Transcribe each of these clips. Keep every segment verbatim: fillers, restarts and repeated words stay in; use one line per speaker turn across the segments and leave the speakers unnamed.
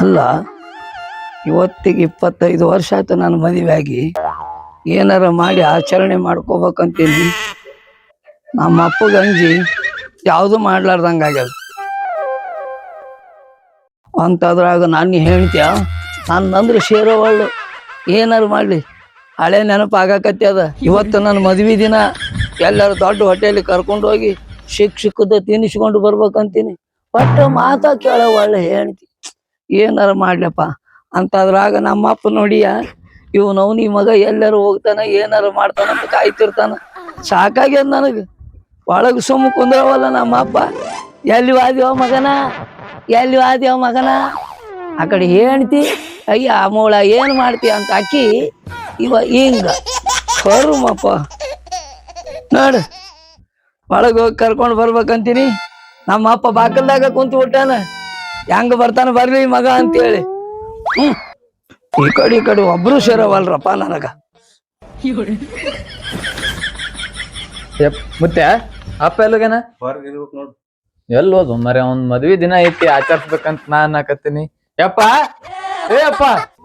ಅಲ್ಲ ಇವತ್ತಿಗೆ ಇಪ್ಪತ್ತೈದು ವರ್ಷ ಆಯ್ತು ನಾನು ಮದುವೆ ಆಗಿ ಏನಾರ ಮಾಡಿ ಆಚರಣೆ ಮಾಡ್ಕೋಬೇಕಂತೀನಿ. ನಮ್ಮ ಅಪ್ಪಗ ಅಂಜಿ ಯಾವುದು ಮಾಡ್ಲಾರ್ದಂಗ ಆಗ್ಯದ. ಅಂತದ್ರಾಗ ನಾನು ಹೇಳ್ತೀಯ ನನ್ನಂದ್ರೆ ಸೇರೋವಳ್ಳು ಏನಾರು ಮಾಡಲಿ ಹಳೆ ನೆನಪು ಆಗಾಕತ್ತಿ. ಇವತ್ತು ನನ್ನ ಮದ್ವೆ ದಿನ ಎಲ್ಲರೂ ದೊಡ್ಡ ಹೋಟೆಲಿಗೆ ಕರ್ಕೊಂಡು ಹೋಗಿ ಸಿಕ್ ಸಿಕ್ಕದ ತಿನ್ನಿಸ್ಕೊಂಡು ಬರ್ಬೇಕಂತೀನಿ. ಒಟ್ಟು ಮಾತಾ ಕೇಳೋ ಒಳ್ಳೆ ಹೇಳ್ತಿ ಏನಾರು ಮಾಡ್ಲಪ್ಪ ಅಂತದ್ರಾಗ ನಮ್ಮಪ್ಪ ನೋಡಿಯ ಇವ್ ನವ್ನಿ ಮಗ ಎಲ್ಲರೂ ಹೋಗ್ತಾನ ಏನಾರು ಮಾಡ್ತಾನ ಅಂತ ಕಾಯ್ತಿರ್ತಾನ. ಸಾಕಾಗ್ಯದ ನನಗೆ. ಒಳಗೆ ಸುಮ್ಮ ಕುಂದ್ರವಲ್ಲ ನಮ್ಮಪ್ಪ. ಎಲ್ಲಿ ವಾದ್ಯವ ಮಗನ ಎಲ್ಲಿ ವಾದ್ಯವ ಮಗನ ಆ ಕಡೆ ಹೇಳ್ತಿ ಅಯ್ಯ ಮೂಳ ಏನು ಮಾಡ್ತೀಯ ಅಂತ ಅಕ್ಕಿ ಇವ ಹಿಂಗ ಕರುಮಪ್ಪ ನೋಡು ಒಳಗೆ ಹೋಗಿ ಕರ್ಕೊಂಡು ಬರ್ಬೇಕಂತೀನಿ. ನಮ್ಮ ಅಪ್ಪ ಬಾಕಲ್ದಾಗ ಕುಂತು ಬಿಟ್ಟಾನ. ಹೆಂಗ ಬರ್ತಾನ ಬರ್ಲಿ ಮಗ ಅಂತೇಳಿ. ಹ್ಮ್ ಈ ಕಡೆ ಈ ಕಡೆ ಒಬ್ರು ಸೇರವಲ್ರಪ್ಪ ನನಗ.
ಮತ್ತೆ ಅಪ್ಪ ಎಲ್ಲಿಗೇನ
ನೋಡು
ಎಲ್ಲಿ ಹೋದು ಮರಿ ಅವ್ನ್ ಮದ್ವಿ ದಿನ ಐತಿ ಆಚರಿಸ್ಬೇಕಂತ ನಾನ್ ಹಾಕತ್ತೀನಿ. ಯಪ್ಪ ಏ ಅಪ್ಪ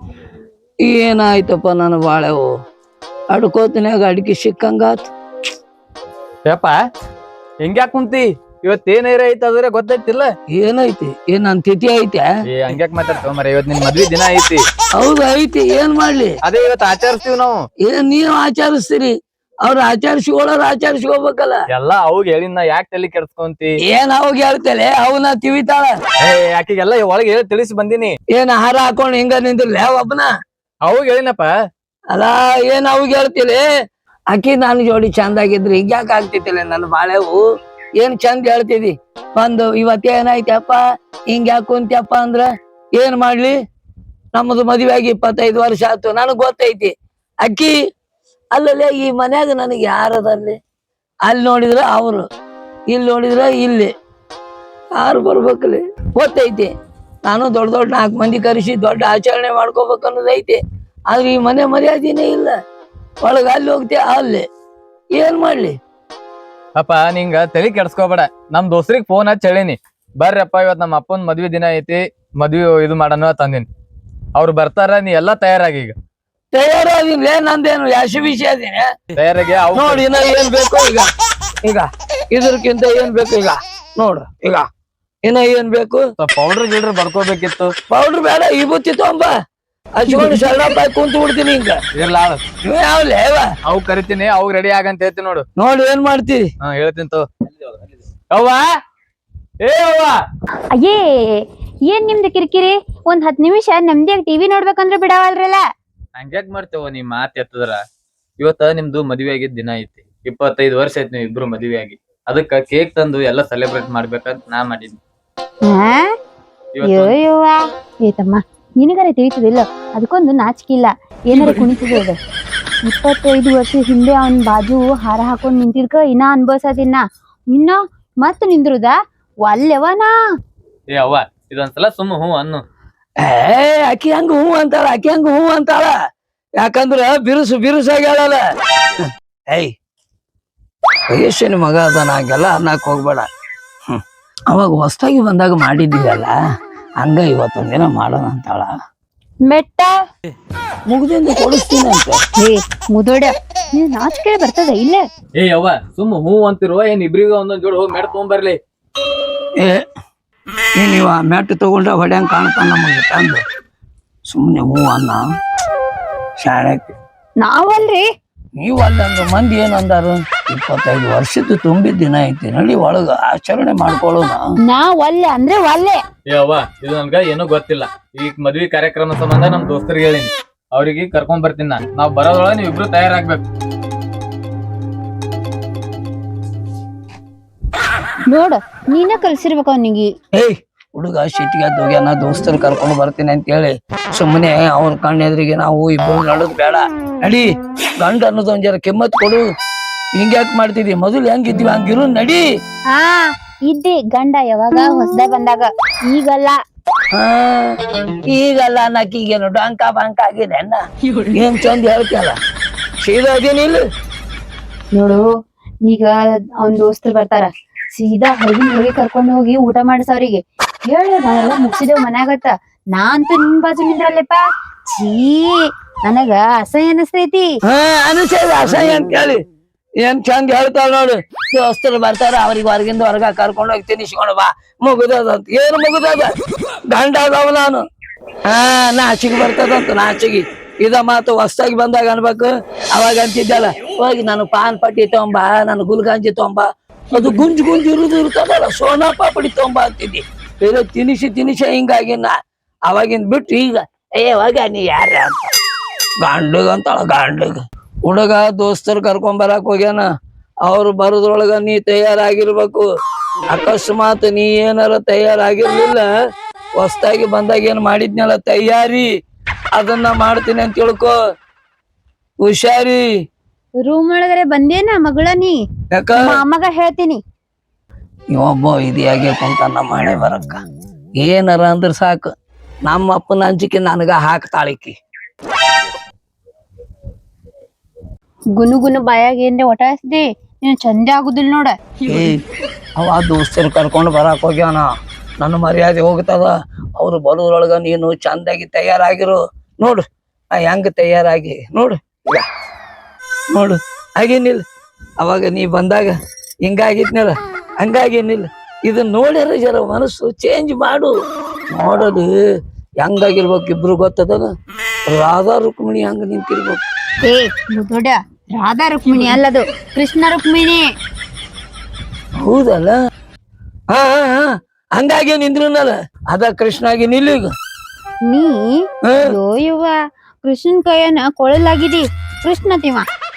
ಏನಾಯ್ತಪ್ಪ ನಾನು ಬಾಳೆವು ಅಡ್ಕೋತಿನಾಗ ಅಡಿಕೆ ಸಿಕ್ಕಂಗಾತ್.
ಯಪ್ಪ ಹೆಂಗ್ಯಾಕ್ ಕುಂತಿ ಇವತ್ ಏನೇರ ಐತಿ ಅದ್ರೆ ಗೊತ್ತೈತಿಲ್ಲ.
ಏನೈತಿ ಏನ್ ನನ್ ತಿಥಿ ಐತೆ?
ಏ ಹಂಗ್ಯಾಕ್ ಮಾತಾಡ್ತೇವ ಮರ ಇವತ್ ನಿನ್ ಮದ್ವಿ ದಿನ ಐತಿ.
ಹೌದು ಐತಿ ಏನ್ ಮಾಡ್ಲಿ
ಅದೇ ಇವತ್ ಆಚರಿಸ್ತೀವಿ ನಾವು.
ಏನ್ ನೀವ್ ಆಚರಿಸ್ತೀರಿ ಅವ್ರ ಆಚರಿಸ್ಕೊಳ್ಳೋರು ಆಚರಿಸ್ಕೋಬೇಕಲ್ಲ.
ಎಲ್ಲಾ ಅವಾಗ ಹೇಳಿನ ಯಾಕೆ ತಲೆ ಕೆಡ್ಸ್ಕೊಂತಿ?
ಏನ್ ಅವಾಗ ಹೇಳ್ತೇಲೆ ಅವನ ತಿವಿತಾಳ.
ಏ ಆಕಿಗೆಲ್ಲ ಒಳಗೆ ಹೇಳಿ ತಿಳಿಸಿ ಬಂದಿನಿ.
ಏನ್ ಆಹಾರ ಹಾಕೊಂಡ್ ಹಿಂಗ ನಿಂತಿರ್ಲಿ ಒಬ್ಬನ
ಅವಾಗ ಹೇಳಿನಪ್ಪ.
ಅಲ್ಲ ಏನ್ ಅವಾಗ ಹೇಳ್ತಿಲಿ ಅಕ್ಕಿ ನಾನು ಜೋಡಿ ಚಂದ ಆಗಿದ್ರಿ ಹಿಂಗ್ಯಾಕ ಆಗ್ತಿತ್ತಿಲ್ಲ ನನ್ನ ಬಾಳೆವು. ಏನ್ ಚಂದ ಹೇಳ್ತಿದಿ ಒಂದು ಇವತ್ತ ಏನಾಯ್ತಪ್ಪ ಹಿಂಗ್ಯಾಕ ಕುಂತ್ಯಪ್ಪ ಅಂದ್ರ ಏನ್ ಮಾಡ್ಲಿ. ನಮ್ಮದು ಮದುವೆ ಆಗಿ ಇಪ್ಪತ್ತೈದು ವರ್ಷ ಆಯ್ತು ನನಗ್ ಗೊತ್ತೈತಿ. ಅಕ್ಕಿ ಅಲ್ಲಲ್ಲೇ ಈ ಮನ್ಯಾಗ ನನಗೆ ಯಾರದಲ್ಲಿ ಅಲ್ಲಿ ನೋಡಿದ್ರ ಅವರು ಇಲ್ಲಿ ನೋಡಿದ್ರ ಇಲ್ಲಿ ಯಾರು ಬರ್ಬೇಕಲ್ಲಿ ಗೊತ್ತೈತಿ. ನಾನು ದೊಡ್ಡ ದೊಡ್ಡ ನಾಲ್ಕು ಮಂದಿ ಕರೆಸಿ ದೊಡ್ಡ ಆಚರಣೆ ಮಾಡ್ಕೋಬೇಕು ಅನ್ನೋದೈತಿ. ಆದ್ರೆ ಈ ಮನೆ ಮರ್ಯಾದಿನೇ ಇಲ್ಲ. ಒಳಗ ಅಲ್ಲಿ ಹೋಗ್ತಿ ಅಲ್ಲಿ ಏನ್ ಮಾಡ್ಲಿ.
ಅಪ್ಪ ನಿಂಗ ತಲೆ ಕೆಡ್ಸ್ಕೋಬೇಡ. ನಮ್ ದೋಸ್ತ್ರಿಗ್ ಫೋನ್ ಹಚ್ಚಿ ಹೇಳಿನಿ ಬರ್ರಪ್ಪ ಇವತ್ ನಮ್ಮ ಅಪ್ಪನ್ ಮದ್ವಿ ದಿನ ಐತಿ ಮದ್ವಿ ಇದು ಮಾಡೋಣ ತಂದಿನಿ. ಅವ್ರು ಬರ್ತಾರ ನೀ ಎಲ್ಲಾ ತಯಾರಾಗಿ ಈಗ.
ತಯಾರಾಗಿನ್ಲೇ ನಂದೇನು ಯಾಶಿ ವಿಷಯ ಅದೀನಿ
ತಯಾರಾಗಿ
ನೋಡಿ. ಇನ್ನ ಏನ್ ಬೇಕು ಈಗ ಈಗ ಇದ್ರಕ್ಕಿಂತ ಏನ್ ಬೇಕು ಈಗ ನೋಡು. ಈಗ ಇನ್ನ ಏನ್ ಬೇಕು
ಪೌಡರ್ ಗಿಲ್ಡರ್ ಬರ್ಕೋಬೇಕಿತ್ತು.
ಪೌಡ್ರ್ ಬೇಡ ಈ ಬುತ್ತಿ ತೊಂಬ ಹಚ್ಕೊಂಡು ಶರಣಪ್ಪ ಕುಂತು ಬಿಡ್ತೀನಿ ಹಿಂಗ.
ಇರ್ಲ
ಯಾವ್ಲೇ
ಅವ್ ಕರಿತೀನಿ ಅವ್ ರೆಡಿ ಆಗಂತ ಹೇಳ್ತೀನಿ ನೋಡು.
ನೋಡಿ ಏನ್ ಮಾಡ್ತೀರಿ
ಹಾ ಹೇಳ್ತೀನಿ ತೋ. ಅವ್ವ ಏ ಅವ್ವ
ಅಯ್ಯೇ ಏನ್ ನಿಮ್ದು ಕಿರಿಕಿರಿ. ಒಂದ್ ಹತ್ ನಿಮಿಷ ನೆಮ್ಮದಿಯಾಗಿ ಟಿವಿ ನೋಡ್ಬೇಕಂದ್ರೆ ಬಿಡವಲ್ರಲ್ಲ.
ಹಂಗ್ಯಾಕ್ ಮಾಡ್ತೇವ ನೀ ಮಾತ್ ಎತ್ತದ್ರ. ಇವತ್ತ ನಿಮ್ದು ಮದ್ವೆ ಆಗಿದ್ ದಿನ ಐತಿ. ಇಪ್ಪತ್ತೈದು ವರ್ಷ ಐತಿ ನೀವು ಇಬ್ರು ಮದ್ವೆ ಆಗಿ. ಅದಕ್ಕ ಕೇಕ್ ತಂದು ಎಲ್ಲ ಸೆಲೆಬ್ರೇಟ್ ಮಾಡ್ಬೇಕಂತ ನಾ ಮಾಡಿದ್ನಿ.
ಅಯ್ಯೋಯ್ಯವ್ವ ಏತಮ್ಮ ನಿನಗಾರ ತಿಳಿತದಿಲ್ಲ ಅದಕ್ಕೊಂದು ನಾಚಿಕಿಲ್ಲ. ಏನಾರ ಕುಣಿತದ ಇಪ್ಪತ್ತೈದು ವರ್ಷ ಹಿಂದೆ ಅವನ್ ಬಾಜು ಹಾರ ಹಾಕೊಂಡ್ ನಿಂತಿದ್ಕ ಇನ್ನ ಅನ್ಭವ್ಸದಿನ್ನ ಇನ್ನ ಮತ್ ನಿಂದ್ರುದ ಒಲ್ಲೆವನಾ.
ಏ ಅವ್ವ ಇದೊಂದ್ಸಲ ಸುಮ್ಮ ಹೂ ಅನ್ನು.
ಏ ಅಕ್ಕಿ ಹಂಗ ಹೂ ಅಂತಾಳ ಅಕ್ಕಿ ಹಂಗ ಹೂ ಅಂತಾಳ. ಯಾಕಂದ್ರ ಬಿರುಸು ಬಿರುಸಾಗ್ಯಾಳಲ್ಲ. ಏಯ್ ವಯಸ್ಸಿನ ಮಗ ಅದ ನಾಗೆಲ್ಲ ಅನ್ನಕ್ ಹೋಗ್ಬೇಡ. ಹ್ಮ್ ಅವಾಗ ಹೊಸದಾಗಿ ಬಂದಾಗ ಮಾಡಿದ್ದೀವಲ್ಲ ಹಂಗ ಇವತ್ತೊಂದಿನ ಮಾಡೋಣ ಅಂತಾಳ.
ಮೆಟ್ಟ
ಮುಗ್ದಿಂದ ಕೊಡಿಸ್ತೀನಿ ಅಂತ.
ಏ ಮುದೋಡ ನೀನ್ ನಾಚಿಕೆ ಬರ್ತದ ಇಲ್ಲ.
ಏ ಅವ್ವ ಸುಮ್ಮ ಹೂ ಅಂತಿರುವ ಏನ್ ಇಬ್ರಿಗ ಒಂದೊಂದ್ ಜೋಡಿ ಹೋಗಿ ಮೆಟ್ ತಗೊಂಬರ್ಲಿ.
ಏ ನೀವ ಮೆಟ್ಟು ತಗೊಂಡ್ರೆ ಹೊಡ್ಯಂಗ್ ಕಾಣ್ತಾನ ನಮಗೆ ತಂದು ಸುಮ್ಮನೆ ಹೂ ಅನ್ನ ಶಾಣಕ್ಕೆ.
ನಾವಲ್ರಿ
ನೀವು ಅಲ್ಲಂದ್ರೆ ಮಂದಿ ಏನಂದಾರು ಇಪ್ಪತ್ತೈದು ವರ್ಷದ ತುಂಬಿದ ದಿನ ಐತಿ ನಡಿ ಒಳಗ ಆಚರಣೆ ಮಾಡ್ಕೊಳ್ಳೋಣ.
ನಾವ್ ಒಲ್ಲೆ ಅಂದ್ರೆ ಒಲ್ಲೆ.
ಏ ಅವ್ವ ಇದು ನನ್ಗ ಏನೋ ಗೊತ್ತಿಲ್ಲ. ಈಗ ಮದ್ವಿ ಕಾರ್ಯಕ್ರಮ ಸಂಬಂಧ ನಮ್ ದೋಸ್ತರಿಗೆ ಹೇಳಿನಿ ಅವ್ರಿಗೆ ಕರ್ಕೊಂಡ್ ಬರ್ತೀನಿ ನಾನು. ನಾವ್ ಬರೋದ್ರೊಳಗ ನೀವ್ ಇಬ್ರು ತಯಾರಾಗ್ಬೇಕು.
ನೋಡ ನೀನ ಕಲ್ಸಿರ್ಬೇಕ ಅವನಿಗೆ.
ಏಯ್ ಹುಡುಗ ಸಿಟ್ಟಿಗೆ ಹೋಗ್ಯಾನ ದೋಸ್ತರು ಕರ್ಕೊಂಡು ಬರ್ತೀನಿ ಅಂತ ಹೇಳಿ ಸುಮ್ಮನೆ ಅವ್ರ ಕಣ್ಣ ಎದುರಿಗೆ ನಾವು ಇಬ್ಬರು ನಡೋದ್ ಬೇಡ. ನಡಿ ಗಂಡ ಅನ್ನೋದು ಒಂದ್ ಜರ ಕೆಮ್ಮತ್ ಕೊಡು. ಹಿಂಗ್ಯಾಕ್ ಮಾಡ್ತಿದ್ವಿ ಮೊದಲು ಹೆಂಗಿದ್ವಿ ಹಂಗಿರು ನಡಿ.
ಹಾ ಇದ್ದೆ ಗಂಡ ಯಾವಾಗ ಹೊಸದ ಬಂದಾಗ ಈಗಲ್ಲ.
ಹಾ ಈಗಲ್ಲ ಅನ್ನಕೀಗೇನು ಡಂಕ ಬಂಕ ಆಗಿದೆ ಅನ್ನ ಏನ್ ಚಂದ ಹೇಳ್ತಿಯಲ್ಲ ಸೀದಾ ಅದೇನಿಲ್ಲ.
ನೋಡು ಈಗ ಅವ್ನ ದೋಸ್ತರು ಬರ್ತಾರ ಸೀದಾ ಹೊರಗಿನ ಹೊರಗೆ ಕರ್ಕೊಂಡು ಹೋಗಿ ಊಟ ಮಾಡಿಸ ಅವ್ರಿಗೆ ಹೇಳ ನಾವೆಲ್ಲ ಮುಗಿಸಿದೇವ್ ಮನ್ಯಾಗತ್ತ ನಾ ಅಂತೂ ನಿನ್ ಬಾಜು ನಿಂದ್ರಲ್ಲಪ್ಪ. ಛೀ ನನಗ ಅಸಹ್ಯ ಅನಸ್ತೈತಿ.
ಹಾ ಅನಿಸೇದ ಅಸಹ್ಯ ಅಂತ ಹೇಳಿ ಏನ್ ಚಂದ ಹೇಳ್ತಾಳ ನೋಡು. ದೋಸ್ತರು ಬರ್ತಾರ ಅವ್ರಿಗೆ ಹೊರಗಿಂದ ಹೊರಗ ಕರ್ಕೊಂಡು ಹೋಗಿ ತಿನ್ನಿಸ್ಕೊಂಡು ಬಾ ಮುಗುದದಂತ. ಏನು ಮುಗುದದ ಗಂಡ ಅದಾವ ನಾನು. ಹಾ ನಾಚಿಗೆ ಬರ್ತದಂತ ನಾಚಿಗೆ. ಇದ ಮಾತು ಹೊಸ್ದಾಗಿ ಬಂದಾಗ ಅನ್ಬೇಕು. ಅವಾಗ ಅಂತಿದ್ದಲ್ಲ ಹೋಗಿ ನಾನು ಪಾನ್ ಪಟ್ಟಿ ತೊಂಬ ನಾನು ಗುಲ್ಗಂಜಿ ತೊಂಬ ಅದು ಗುಂಜ್ ಗುಂಜ್ ಇರುದು ಇರ್ತದಲ್ಲ ಸೋನಾ ಪಾಪಡಿ ತೊಂಬ ಅಂತಿದ್ದಿ. ಬೇರೆ ತಿನಿಸಿ ತಿನಿಸಿ ಹಿಂಗಾಗಿನ ಅವಾಗಿಂದ ಬಿಟ್ಟು ಈಗ ಏ ಹೋಗ ನೀ ಯಾರ ಅಂತ ಗಂಡಗ ಅಂತಾಳ ಗಂಡಗ. ಹುಡುಗ ದೋಸ್ತರು ಕರ್ಕೊಂಡ್ ಬರಾಕ್ ಹೋಗ್ಯಾನ. ಅವ್ರು ಬರೋದ್ರೊಳಗ ನೀ ತಯಾರಾಗಿರ್ಬೇಕು. ಅಕಸ್ಮಾತ್ ನೀ ಏನಾರ ತಯಾರಾಗಿರ್ಲಿಲ್ಲ ಹೊಸ್ದಾಗಿ ಬಂದಾಗ ಏನ್ ಮಾಡಿದ್ನಲ್ಲ ತಯಾರಿ ಅದನ್ನ ಮಾಡ್ತೀನಿ ಅಂತ ತಿಳ್ಕೊ. ಹುಷಾರಿ.
ರೂಮ್ ಒಳಗರೆ ಬಂದೇನ ಮಗಳ ನೀ?
ಯಾಕ
ಅಮ್ಮಗ ಹೇಳ್ತೀನಿ.
ಇವೊಬ್ಬ ಇದಿಯಾಗೆ ಕುಂತ ನಮ್ಮ ಮನೆ ಬರಕ್ಕ ಏನಾರ ಅಂದ್ರ ಸಾಕು ನಮ್ಮ ಅಪ್ಪನ ಅಂಜಿಕೆ ನನಗ ಹಾಕ್ತಾಳಿಕಿ.
ಗುನು ಗುನು ಬಾಯಾಗ ಏನ್ರೆ ಒಟ ಹಸ್ದಿ ನೀನ್ ಚಂದ ಆಗುದಿಲ್ಲ ನೋಡ.
ಏ ಅವ ದೋಸ್ತರು ಕರ್ಕೊಂಡು ಬರಾಕ್ ಹೋಗ್ಯಾನ. ನನ್ನ ಮರ್ಯಾದೆ ಹೋಗ್ತದ. ಅವ್ರು ಬರೋದ್ರೊಳಗ ನೀನು ಚಂದಾಗಿ ತಯಾರಾಗಿರು. ನೋಡು ಆ ಹೆಂಗ ತಯಾರಾಗಿ ನೋಡು ಈಗ ನೋಡು ಹಾಗೇನಿಲ್ಲ. ಅವಾಗ ನೀ ಬಂದಾಗ ಹಿಂಗಾಗಿದ್ನಲ್ಲ ಹಂಗಾಗೇನಿಲ್ಲ. ಇದನ್ನ ನೋಡ್ಯಾರ ಜರ ಮನಸ್ಸು ಚೇಂಜ್ ಮಾಡು. ನೋಡೋದು ಹೆಂಗಾಗಿರ್ಬೇಕು ಇಬ್ರು ಗೊತ್ತದ. ರಾಧಾ ರುಕ್ಮಿಣಿ ಹಂಗ ನಿಂತಿರ್ಬೇಕು.
ಏ ದೊಡ್ಡ ರಾಧಾ ರುಕ್ಮಿಣಿ ಅಲ್ಲದು ಕೃಷ್ಣ ರುಕ್ಮಿಣಿ.
ಹೌದಲ್ಲ ಹಾ ಹಾ ಹಾ ಹಂಗಾಗಿ ನಿಂದ್ರನಲ್ಲ ಅದ ಕೃಷ್ಣ ಆಗಿ ನಿಲ್ಲೀಗ.
ನೀ ಅಯ್ಯೋ ಯವ್ವ ಕೃಷ್ಣನ್ ಕೈಯನ್ನ ಕೊಳಲಾಗಿದಿ ಕೃಷ್ಣ ತಿಮ್ಮ.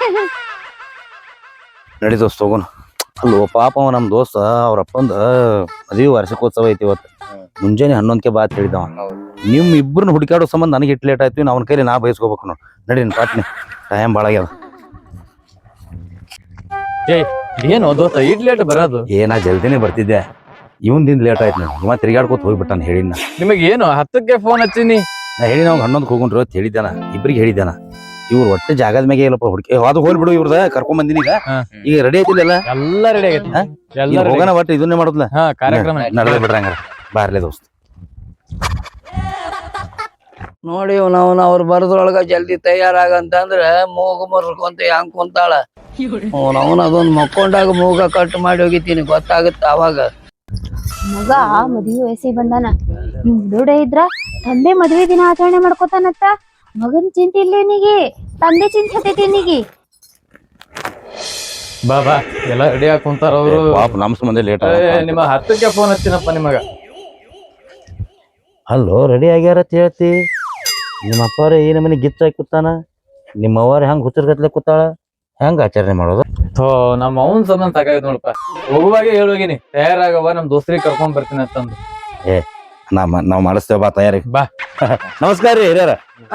ನಡಿ ದೋಸ್ತ ಹೋಗೋಣ. ಅಲ್ಲೋ ಪಾಪ ಅವ ನಮ್ಮ ದೋಸ್ತ ಅವ್ರ ಅಪ್ಪಂದ ಮದುವೆ ವಾರ್ಷಿಕೋತ್ಸವ ಐತಿ ಇವತ್ತು. ಮುಂಜಾನೆ ಹನ್ನೊಂದಕ್ಕೆ ಬಾತ್ ಹೇಳಿದವ. ನಿಮ್ ಇಬ್ಬರನ್ನ ಹುಡುಕಾಡೋ ಸಂಬಂಧ ನನಗೆ ಇಟ್ಟು ಲೇಟ್ ಆಯ್ತು. ಅವ್ನ ಕೈಲಿ ನಾ ಬಯಸ್ಕೋಬೇಕು ನೋಡಿ. ನಡಿ ಪಾಟ್ನಿ ಟೈಮ್ ಭಾಳ ಆಗ್ಯಾವ.
ಏ ಏನು ದೋಸ್ತ ಇಟ್ ಲೇಟ್ ಬರೋದು?
ಏ ನಾ ಜಲ್ದಿನೇ ಬರ್ತಿದ್ದೆ. ಇವಂದಿಂದ ಲೇಟ್ ಆಯ್ತು. ನಾನು ಇವ ತಿರ್ಗಾಡ್ಕೋತ ಹೋಗ್ಬಿಟ್ಟಾನ. ಹೇಳಿನ
ನಿಮಗ್ ಏನು ಹತ್ತಕ್ಕೆ ಫೋನ್ ಹಚ್ಚಿನಿ.
ನಾ ಹೇಳಿ ನಾವು ಹನ್ನೊಂದಕ್ಕೆ ಹೋಗುಣ್ರಿ ಅಂತ ಹೇಳಿದ್ದಾನ. ಇಬ್ರಿಗೆ ಹೇಳಿದ್ದಾನ. ಇವ್ರು ಒಟ್ಟೆ ಜಾಗದ ಮ್ಯಾಗೆ ಇಲ್ಲಪ್ಪ ಹುಡುಕಿ ಅದು ಹೋಲ್ ಬಿಡು. ಇವ್ರದ ಕರ್ಕೊಂಡ್ ಬಂದಿನಿ. ಈಗ ಈಗ ರೆಡಿ ಐತಿಲ್ಲ
ಎಲ್ಲಾ ರೆಡಿ ಆಗೈತಿ.
ಈಗ ಹೋಗೋಣ ಒಟ್ಟು ಇದನ್ನೇ ಮಾಡೋದ್ಲ.
ಹಾ ಕಾರ್ಯಕ್ರಮ
ನಡೆದ ಬಿಡ್ರಿ ಹಂಗಾರ ಬಾರ್ಲೆ ದೋಸ್ತ.
ನೋಡಿ ನಾವು ಅವ್ರು ಬರೋದ್ರೊಳಗ ಜಲ್ದಿ ತಯಾರಾಗಂತಂದ್ರ ಮೂಗು ಮುರ್ಕೊಂತ ಹೆಂಗ್ ಕುಂತಾಳ. ಅವನ ಅದೊಂದ್ ಮಕ್ಕೊಂಡಾಗ ಮೂಗ ಕಟ್ ಮಾಡಿ ಹೋಗಿತೀನಿ ಗೊತ್ತಾಗುತ್ತ ಅವಾಗ.
ಮಗ ಮದ್ವಿ ವಯಸ್ಸಿಗೆ ಬಂದಾನ. ನಿಮ್ ದೊಡ್ಡ ಇದ್ರ ತಂದೆ ಮದ್ವೆ ದಿನ ಆಚರಣೆ ಮಾಡ್ಕೋತಾನತ್ತ. ಮಗನ್ ಚಿಂತೆ ಇಲ್ಲ ನಿಗೆ, ತಂದೆ ಚಿಂತೆ ಹತ್ತೈತಿ ನಿಗೆ.
ಬಾ ಬಾ ಎಲ್ಲ ರೆಡಿ ಆಗಿ ಕುಂತಾರ ಅವ್ರು.
ಪಾಪ ನಮ್ ಸಂಬಂಧ ಲೇಟ್
ನಿಮ್ಮ ಹತ್ತಕ್ಕೆ ಫೋನ್ ಹಚ್ಚಿನಪ್ಪ ನಿಮಗ.
ಅಲ್ಲೋ ರೆಡಿ ಆಗ್ಯಾರ ಅಂತ ಹೇಳ್ತಿ. ನಿಮ್ಮ ಅಪ್ಪಾರ ಈ ನಮನಿ ಗಿಚ್ಚ ಹಾಕಿ ಕೂತಾನ. ನಿಮ್ಮ ಅವ್ವಾರ ಹೆಂಗ್ ಹುಚ್ಚರ್ಗತ್ಲೆ ಕೂತಾಳ. ಹೆಂಗ ಆಚರಣೆ ಮಾಡೋದು?
ಥೋ ನಮ್ಮ ಅವನ್ ಸಂಬಂಧ ಸಾಕಾಯ್ತು ನೋಡಪ್ಪ. ಹೋಗುವಾಗೆ ಹೇಳೋಗಿನಿ ತಯಾರಾಗವ ನಮ್ ದೋಸ್ತ್ರಿಗೆ ಕರ್ಕೊಂಡ್ ಬರ್ತೀನಿ ಅಂತಂದು.
ಏ ನಮ್ಮ ನಾವ್ ಮಾಡಿಸ್ತೇವ ಬಾ ತಯಾರಿ.
ಬಾ
ನಮಸ್ಕಾರ ರೀ ಹಿರಿಯರ.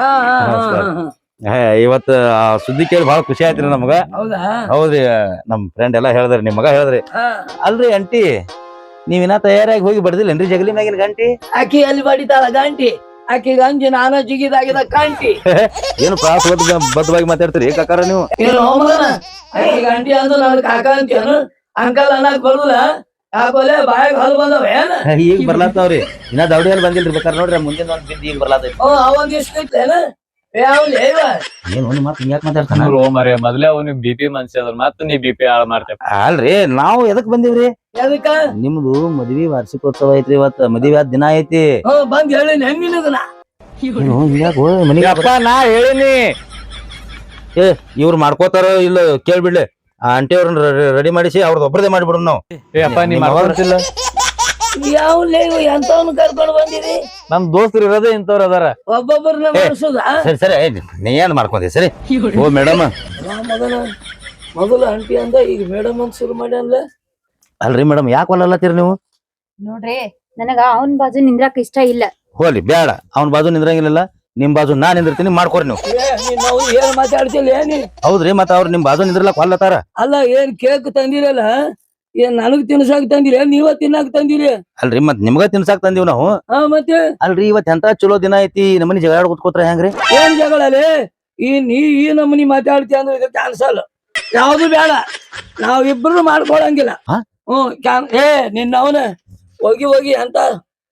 ಇವತ್ತ ಸುದ್ದಿ ಕೇಳಿ ಬಹಳ ಖುಷಿ ಆಯ್ತ್ರಿ ನಮಗ. ಹೌದ್ರಿ ನಮ್ ಫ್ರೆಂಡ್ ಎಲ್ಲಾ ಹೇಳ್ದ್ರಿ ನಿಮ್ ಮಗ ಹೇಳ್ದ್ರಿ. ಅಲ್ರಿ ಅಂಟಿ ನೀವಿನ ತಯಾರಾಗಿ ಹೋಗಿ ಬಡ್ದಿಲ್ಲೇನ್ರಿ ಜಗಲಿ ಮ್ಯಾಗಿನ ಗಂಟಿ?
ಆಕಿ ಎಲ್ಲಿ ಬಡಿತಾಳ ಗಂಟಿ? ಆಕಿ ಗಂಜಿ ನಾನ ಜಿಗಿದಾಗಿದ ಕಂಟಿ.
ಏನು ಪ್ರಾಸ ಬದ್ಧವಾಗಿ ಮಾತಾಡ್ತೀರಿ ಕಾಕಾರ ನೀವು?
ಏನು ಆಕಿ ಗಂಟಿ ಅಂದು ನನ್ ಕಾಕ ಅಂತೇನು ಅಂಕಲ್ ಅನ್ನಕ್ ಬರುಲ್ಲ. ಯಾಕೋಲೆ ಬಾಯಾಗ ಹಲ್ ಬಂದವ ಏನ?
ಈಗ ಬರ್ಲಾತಾವ್ರಿ. ಇನ್ನ ದೌಡಿ ಹಲ್ ಬಂದಿಲ್ರಿ. ಬೇಕಾರ್ ನೋಡ್ರಿ ಮುಂದಿನ ಒಂದ್ ಬಿದ್ದು ಈಗ ಬರ್ಲಾತೈತಿ.
ಓ ಅವಂದ್ ಇಷ್ಟೇನ
ಏನು ಒಂದ್ ಮಾತು ಹಿಂಗ್ಯಾಕ್ ಮಾತಾಡ್ತಾನ?
ಮರೇ ಮೊದ್ಲೇ ಅವ್ನಿಗೆ ಬಿ ಪಿ ಮನ್ಸಿ ಅದ್ರ ಮತ್ತ ನೀ ಬಿ ಪಿ ಹಾಳು ಮಾಡ್ತೇವೆ.
ಅಲ್ರಿ ನಾವು ಎದಕ್ ಬಂದಿವ್ರಿ?
ಎದಕ್ಕ?
ನಿಮ್ದು ಮದ್ವಿ ವಾರ್ಷಿಕೋತ್ಸವ ಐತ್ರಿ ಇವತ್ತ. ಮದ್ವಿ ಆದ ದಿನ ಐತಿ.
ಹ್ಮ್ ಬಂದ್ ಹೇಳಿ ಹೆಂಗಿನದನ
ಮನಿಗಪ್ಪ ನಾ ಹೇಳಿನಿ. ಏ ಇವ್ರು ಮಾಡ್ಕೋತಾರ ಇಲ್ಲ ಕೇಳ್ಬಿಡ್ಲಿ. ಆ ಆಂಟಿ ಅವ್ರನ್ನ ರೆಡಿ ಮಾಡಿಸಿ ಅವ್ರದ್ದು ಒಬ್ಬರದೇ ಮಾಡಿಬಿಡು ನಾವು.
ಏ ಅಪ್ಪ ನೀ ಮಾಡ್ಕೊಳ್ತಿಲ್ಲ.
ಯಾವ ಎಂತವನ್ನ ಕರ್ಕೊಂಡು ಬಂದಿರಿ?
ನಮ್ ದೋಸ್ತರು ಇರೋದೇ ಇಂಥವ್ರು ಅದಾರ.
ಒಬ್ಬೊಬ್ಬರನ್ನ ಮಾಡಿಸುದ?
ಸರಿ ಸರಿ ನೀ ಏನ್ ಮಾಡ್ಕೊಂಡಿ ಸರಿ. ಓ ಮೇಡಮ್
ಮೊದಲ ಮೊದಲು ಆಂಟಿ ಅಂದ ಈಗ ಮೇಡಮ್ ಅಂತ ಶುರು ಮಾಡಿ ಅನ್ಲ.
ಅಲ್ರಿ ಮೇಡಮ್ ಯಾಕೆ ಒಲ್ಲತ್ತೀರಿ ನೀವು?
ನೋಡ್ರಿ ನನಗ ಅವನ್ ಬಾಜು ನಿಂದ್ರಾಕ ಇಷ್ಟ ಇಲ್ಲ.
ಹೋಲಿ ಬೇಡ. ಅವ್ನ ಬಾಜು ನಿಂದ್ರಂಗಿಲ್ಲ. ನಿಮ್ ಬಾಜು ನಾನ್ ನಿಂದಿರ್ತೀನಿ ಮಾಡ್ಕೊರಿ ನೀವು.
ನಾವು ಏನ್ ಮಾತಾಡ್ತಿಲ್ಲ ಏನಿ?
ಹೌದ್ರಿ ಮತ್ತ ಅವ್ರು ನಿಮ್ ಬಾಜು ನಿಂದ್ರಲಕ್ ಒಲ್ಲತಾರ.
ಅಲ್ಲ ಏನ್ ಕೇಕ್ ತಂದಿರಲ್ಲ ಏನ್ ನನಗ್ ತಿನ್ಸಾಕ್ ತಂದಿರಿ ನೀವ ತಿನ್ನಾಕ್ ತಂದಿರಿ?
ಅಲ್ರಿ ಮತ್ ನಿಮ್ಗ ತಿನ್ಸಾಕ್ ತಂದಿವ್ ನಾವು.
ಹಾ ಮತ್ತೆ
ಅಲ್ರಿ ಇವತ್ ಎಂತ ಚಲೋ ದಿನ ಐತಿ. ನಮ್ಮನಿ ಜಗಳ ಕೂತ್ಕೋತ್ರ ಹೆಂಗ್ರಿ?
ಏನ್ ಜಗಳಲೆ? ಈ ನೀ ಈ ನಮ್ಮನಿ ಮಾತಾಡ್ತಿ ಅಂದ್ರೆ ಇದು ಕ್ಯಾನ್ಸಲ್. ಯಾವ್ದು ಬೇಡ. ನಾವಿಬ್ರು ಮಾಡ್ಕೊಳಂಗಿಲ್ಲ. ಹ್ಮ್ ಏ ನಿನ್ನ ಅವನ ಹೋಗಿ ಹೋಗಿ ಅಂತ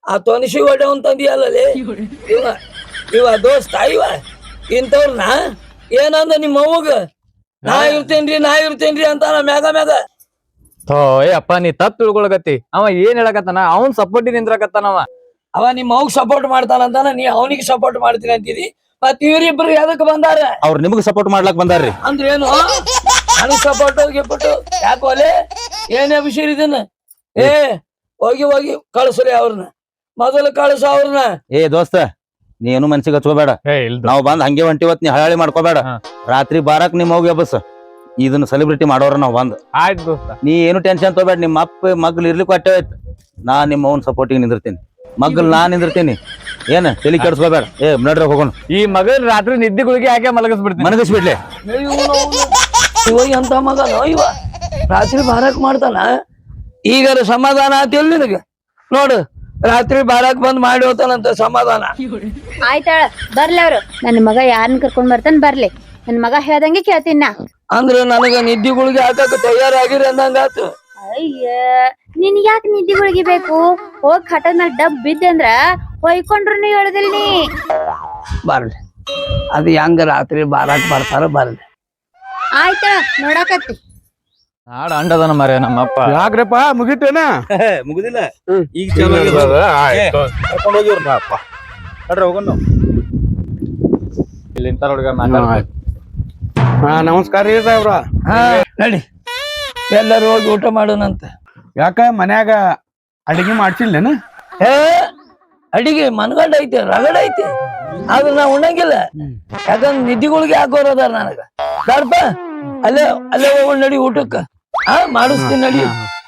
ಆ ತೊನಿಸಿ ಹೊಡೆವನ್ ತಂದಿಯಲ್ಲೇ ಇವ ಇವ ದೋಸ್ತ ಇವ ಇಂಥವ್ರನ್ನ ಏನಂದ ನಿಮ್ಮ ಅವ್ವಗ ನಾ ಇರ್ತೇನ್ರಿ ನಾ ಇರ್ತೇನ್ರಿ ಅಂತಾನ ಮ್ಯಾಗ ಮ್ಯಾಗ.
ಥೋ ಏ ಅಪ್ಪ ನೀ ತಪ್ಪು ತಿಳ್ಕೊಳಕತ್ತಿ. ಅವ ಏನ್ ಹೇಳಕತ್ತಾನ, ಅವ್ನ್ ಸಪೋರ್ಟಿ ನಿಂದ್ರಕತ್ತಾನವ.
ಅವ ನಿಮ್ಮ ಅವ್ಗ ಸಪೋರ್ಟ್ ಮಾಡ್ತಾನಂತಾನ, ನೀ ಅವನಿಗೆ ಸಪೋರ್ಟ್ ಮಾಡ್ತೀನಿ ಅಂತೀರಿ. ಮತ್ ಇವ್ರಿಬ್ರು ಎದಕ್ ಬಂದಾರ?
ಅವ್ರ ನಿಮಗ್ ಸಪೋರ್ಟ್ ಮಾಡ್ಲಾಕ್ ಬಂದಾರ್ರಿ.
ಅಂದ್ರೆ ಏನು ನನಗ್ ಸಪೋರ್ಟ್ ಗಿಪ್ಪಟ್ಟು ಯಾಕೆ ಒಲೆ ಏನೇ ವಿಷಯ ಇದನ್ನ? ಏ ಹೋಗಿ ಹೋಗಿ ಕಳ್ಸ್ರಿ ಅವ್ರನ್ನ, ಮೊದಲು ಕಳ್ಸ ಅವ್ರನ್ನ.
ಏ ದೋಸ್ತ ನೀ ಏನು ಮನ್ಸಿಗೆ ಹಚ್ಕೋಬೇಡ.
ಏ ಇಲ್ದ
ನಾವ್ ಬಂದ್ ಹಂಗೆ ಹೊಂಟಿವತ್, ನೀ ಹಳಾಳಿ ಮಾಡ್ಕೋಬೇಡ.
ಹಾ.
ರಾತ್ರಿ ಬಾರಕ್ ನಿಮ್ ಹೋಗಿ ಬಸ್ ಇದನ್ನ ಸೆಲೆಬ್ರಿಟಿ ಮಾಡೋರ ನಾವ್ ಬಂದ್.
ಆಯ್ತು ದೋಸ್ತ.
ನೀ ಏನು ಟೆನ್ಷನ್ ತಗೋಬೇಡ. ನಿಮ್ಮ ಅಪ್ಪ ಮಗ್ಳು ಇರ್ಲಿಕ್ಕೆ ಅಟ್ಟೆ ಆಯ್ತು. ನಾ ನಿಮ್ಮ ಅವ್ನ ಸಪೋರ್ಟಿಗೆ ನಿಂದಿರ್ತೀನಿ, ಮಗ್ಳು ನಾ ನಿಂದಿರ್ತೀನಿ. ಏನ ತಲಿ ಕೆಡ್ಸ್ಕೋಬೇಡ. ಏ ನಡ್ರಿ ಹೋಗೋಣ.
ಈ ಮಗನ್ ರಾತ್ರಿ ನಿದ್ದೆ ಗುಳಿಗೆ ಹಾಕಿ ಮಲಗಿಸ್ಬಿಡ್ತೀನಿ.
ಮನಗಿಸ್ಬಿಡ್ಲಿ.
ಇವಾಗ ಎಂತ ಮಗನೋ ಇವ, ರಾತ್ರಿ ಬಾರಾಕ್ ಮಾಡ್ತಾನ. ಈಗಾರ ಸಮಾಧಾನ ಆತಿಲ್ ನಿನಗ? ನೋಡು ರಾತ್ರಿ ಬಾರಾಕ್ ಬಂದ್ ಮಾಡಿ ಹೋತಾನಂತ ಸಮಾಧಾನ.
ಆಯ್ತಾಳ ಬರ್ಲಿ ಅವ್ರು. ನನ್ನ ಮಗ ಯಾರನ್ನ ಕರ್ಕೊಂಡ್ ಬರ್ತಾನ ಬರ್ಲಿ. ನನ್ ಮಗ ಹೇಳ್ದಂಗೆ ಕೇಳ್ತೀನಿ ನಾ.
ಅಂದ್ರ ನನಗ ನಿದ್ದಿಗಳಿಗೆ ಹಾಕಕ್ ತಯಾರಾಗಿರಿ ಅಂದಂಗಾತು.
ಅಯ್ಯ ನಿನ್ ಯಾಕೆ ನಿದ್ದಿಗಳಿಗೆ ಬೇಕು? ಹೋಗ್ ಹಠದ ಮೇಲೆ ಡಬ್ ಬಿದ್ದೆ ಅಂದ್ರ ಹೊಯ್ಕೊಂಡ್ರು ಹೇಳುದಿಲ್ ನೀ.
ಬರ್ಲಿ, ಅದು ಹೆಂಗ ರಾತ್ರಿ ಬಾರಾಕ್ ಬರ್ತಾರ ಬರ್ಲಿ.
ಆಯ್ತಾಳ ನೋಡಾಕತ್ತಿ.
ನಾಡ ಅಂಡದನ ಮರ ನಮ್ಮಪ್ಪ.
ಯಾಕ್ರಪ್ಪ ಮುಗಿತೇನ?
ಮುಗುದಿಲ್ಲ ಈಗ
ಕರ್ಕೊಂಡು ಹೋಗಿವ್ರ ಅಪ್ಪ.
ನಡ್ರಿ ಹೋಗೋಣ ನಾವು.
ಇಲ್ಲಿ ಇಂತ ಹುಡುಗ ಮಾತಾಡ.
ಹಾ ನಮಸ್ಕಾರ ರೀ ಸಾಹೇಬ್ರ.
ಹಾ ನಡಿ, ಎಲ್ಲರೂ ಹೋಗಿ ಊಟ ಮಾಡೋಣಂತ.
ಯಾಕ ಮನ್ಯಾಗ ಅಡಿಗೆ ಮಾಡ್ಸಿಲ್ಲೇನ?
ಏ ಅಡಿಗೆ ಮನ್ಗಂಡ ಐತೆ, ರಗಡ ಐತೆ, ಆದ್ರೆ ನಾ ಉಣ್ಣಂಗಿಲ್ಲ. ಯಾಕಂದ್ರ ನಿದ್ದಿಗಳಿಗೆ ಹಾಕೋರದಾರ ನನಗ. ಬಾರಪ್ಪ ಅಲ್ಲೇ ಅಲ್ಲೇ ಹೋಗೋಣ ನಡಿ ಊಟಕ್ಕ. ಹಾ ಮಾಡಿಸ್ತೀನಿ ನಡಿ.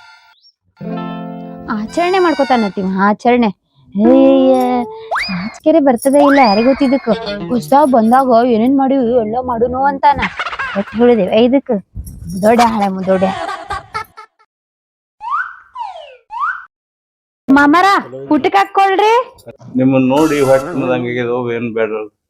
ಆಚರಣೆ ಮಾಡ್ಕೊತಾನತ್ತೀವ ಆಚರಣೆ. ಹೇಯ ನಾಚಿಕೆರೆ ಬರ್ತದೆ ಇಲ್ಲ ಯಾರಿಗ ಗೊತ್ತಿದ್ದಕ್ಕ. ಹೊಸ್ದಾಗ್ ಬಂದಾಗ ಏನೇನ್ ಮಾಡಿವಿ ಎಲ್ಲ ಮಾಡುನು ಅಂತಾನ. ಎತ್ ಹೇಳಿದೇವೆ ಇದಕ್ ದೊಡ್ಡ ಹಳೆ ದೊಡ್ಡ ಮಾಮಾರ ಊಟಕ್ಕೆ ಹಾಕೊಳ್ರಿ.
ನಿಮ್ಮನ್ನ ನೋಡಿ ಹೊಟ್ಟೆ ಏನ್ ಬೇಡ